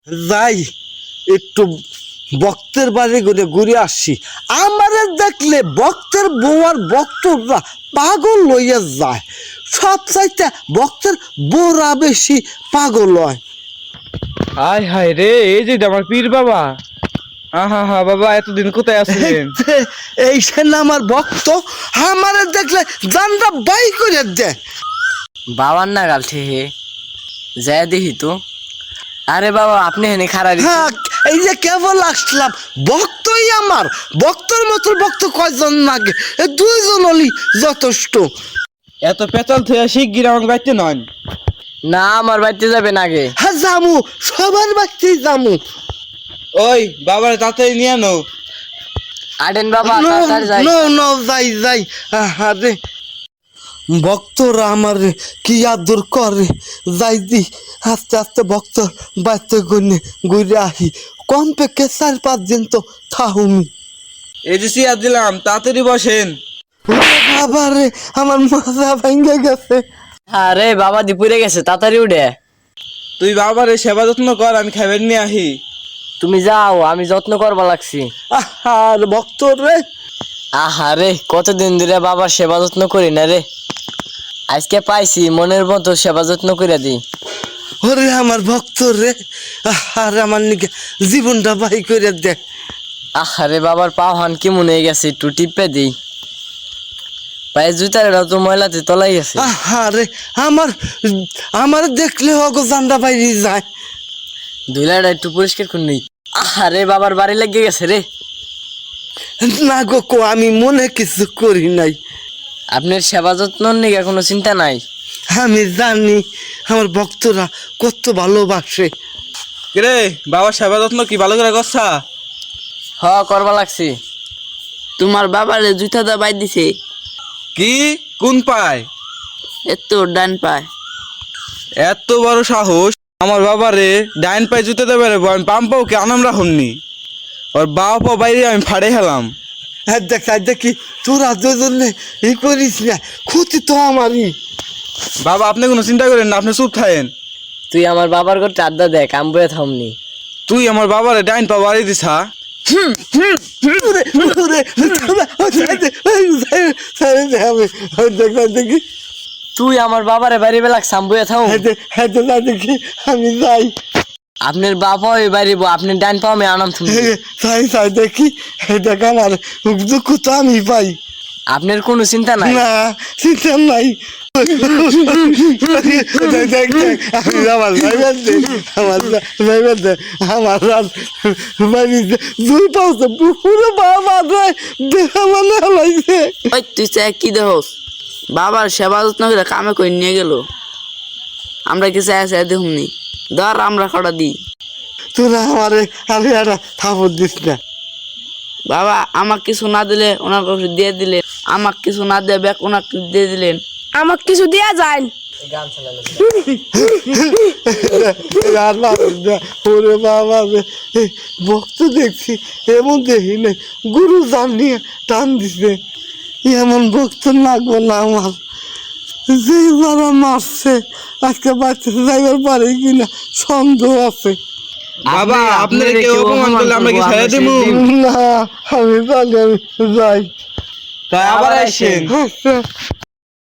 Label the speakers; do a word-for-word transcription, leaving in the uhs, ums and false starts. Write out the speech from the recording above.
Speaker 1: যাই একটু ভক্তের বাড়ি ঘুরে ঘুরে আসি। আমারে দেখলে ভক্তের বউয়ার ভক্তরা পাগল লইয়া যায়, সব চাইতে ভক্তের বউরা বেশি পাগল হয়।
Speaker 2: হায় হায় রে, এই যে আমার পীর বাবা। আহা হা বাবা, এতদিন কোথায় আছিলেন?
Speaker 1: এই সে না আমার ভক্ত, আমারে দেখলে জানরা বাই করে দেয়।
Speaker 3: বাবার না গাল ঠেহে যায় দেখি তো। আরে বাবা, আপনি হেনে খারাপ।
Speaker 1: হ্যাঁ, এই যে কেবল আসলাম, ভক্তই আমার। ভক্তর মতো ভক্ত কয়জন লাগে? এ দুইজন হলি যথেষ্ট।
Speaker 2: এত পেঁচাল থেকে শিগগির আমাকে বাইতে নন।
Speaker 3: না, আমার বাড়িতে যাবেন আগে।
Speaker 1: হ্যাঁ জামু, সবার বাড়িতেই জামু।
Speaker 2: ওই বাবার তাড়াতাড়ি নিয়ে আনো।
Speaker 3: আডেন বাবা,
Speaker 1: নো
Speaker 3: তাড়াতাড়ি যাই।
Speaker 1: নো নো, যাই যাই। আরে ভক্তরা আমার কি আদর করে, যাই দি আস্তে আস্তে ভক্ত বাড়িতে গুনে ঘুরে আহি। কম পেকে চার পাঁচ দিন তো থাহুমি।
Speaker 2: এই যে চেয়ার দিলাম, তাড়াতাড়ি বসেন।
Speaker 1: বাবা রে, আমার মাজা ভেঙে গেছে।
Speaker 3: আরে বাবা দিপুরে গেছে, তাড়াতাড়ি উঠে।
Speaker 2: তুই বাবার সেবা যত্ন কর, আমি খাবার নিয়ে আহি।
Speaker 3: তুমি যাও, আমি যত্ন করবা লাগছি।
Speaker 1: আর ভক্ত রে,
Speaker 3: আহারে কতদিন ধরে বাবার সেবা যত্ন করি না রে, আজকে পাইছি, মনের মতো সেবা যত্ন করে দিই।
Speaker 1: ওরে আমার ভক্ত রে, আর আমার নিকে জীবনটা বাই করে দে।
Speaker 3: আহারে বাবার পাও হান কি মনে হয়ে গেছে, একটু টিপে দিই। পায়ে জুতারেটাও তো ময়লাতে তলাই গেছে।
Speaker 1: আরে আমার আমার দেখলে অগো জান্দা বাইরে যায়।
Speaker 3: ধুলাটা একটু পরিষ্কার করে নিই। আহারে বাবার বাড়ি লেগে গেছে রে।
Speaker 1: না গো কো, আমি মনে কিছু করি নাই।
Speaker 3: আপনার সেবা যত্ন নিয়ে কোনো চিন্তা নাই।
Speaker 1: আমি জানি আমার ভক্তরা কত ভালোবাসে।
Speaker 2: রে বাবার সেবা যত্ন কি ভালো করে করছা?
Speaker 3: হ, করবা লাগছি।
Speaker 4: তোমার বাবারে জুতা দা বাই দিছে।
Speaker 2: কি কোন পায়?
Speaker 4: এত ডান পায়।
Speaker 2: এত বড় সাহস আমার বাবারে ডাইন পায়ে জুতে দেবে রে। আমি পাম পাও কে আনাম রাখুননি, ওর বাবা পা বাইরে আমি ফাড়ে হেলাম।
Speaker 1: হ্যাঁ দেখ দেখি তোরা দুজনে ই করিস না, ক্ষতি তো আমারই।
Speaker 2: বাবা আপনি কোনো চিন্তা করেন না, আপনি চুপ থাকেন।
Speaker 3: তুই আমার বাবার ঘর আড্ডা দেখ, আমি বয়ে থামনি।
Speaker 2: তুই আমার বাবারে ডাইন পা বাড়ি দিছা।
Speaker 1: দেখি
Speaker 3: তুই আমার বাবারে বাড়ি বেলাক সাম্বুয়ে থাম।
Speaker 1: দেখি আমি যাই।
Speaker 3: আপনার বাবা ওই বাড়ি, আপনি ডান পাও আমি আনাম তুমি।
Speaker 1: তাই তাই দেখি, দেখ আমার দুঃখ তো আমি পাই।
Speaker 3: আপনার কোনো চিন্তা নাই।
Speaker 1: না চিন্তা নাই। আমি আমার ড্রাইভার দে, আমার ড্রাইভার দে, আমার বাড়িতে দুই পাশে পুরো বাবা দেখা মানে হলাইছে।
Speaker 4: ওই তুই চা কি দেহস? বাবার সেবা যত্ন করে কামে করে নিয়ে গেল, আমরা কি চাই চাই দেখুমনি। ধর আমরা খড়া দিই।
Speaker 1: তোরা আমার আরে একটা থাপড় দিস না।
Speaker 4: বাবা আমাকে কিছু না দিলে ওনার কাছে দিয়ে দিলেন, আমাকে কিছু না দিয়ে ব্যাগ ওনাকে দিয়ে দিলেন।
Speaker 5: আমাকে কিছু দেয়া যায়।
Speaker 1: ওরে বাবা, ভক্ত দেখছি এমন দেখি নাই, গুরু জান নিয়ে টান দিছে। এমন ভক্ত লাগবো না আমার। যে যারা মারছে আজকে বাচ্চা যাইবার পারে কিনা সন্দেহ আছে।
Speaker 2: বাবা আপনার কেউ অপমান করলে আমরা কি ছেড়ে দেবো?
Speaker 1: না আমি জানি, আমি যাই।
Speaker 2: তাই আবার আসেন।
Speaker 1: আচ্ছা।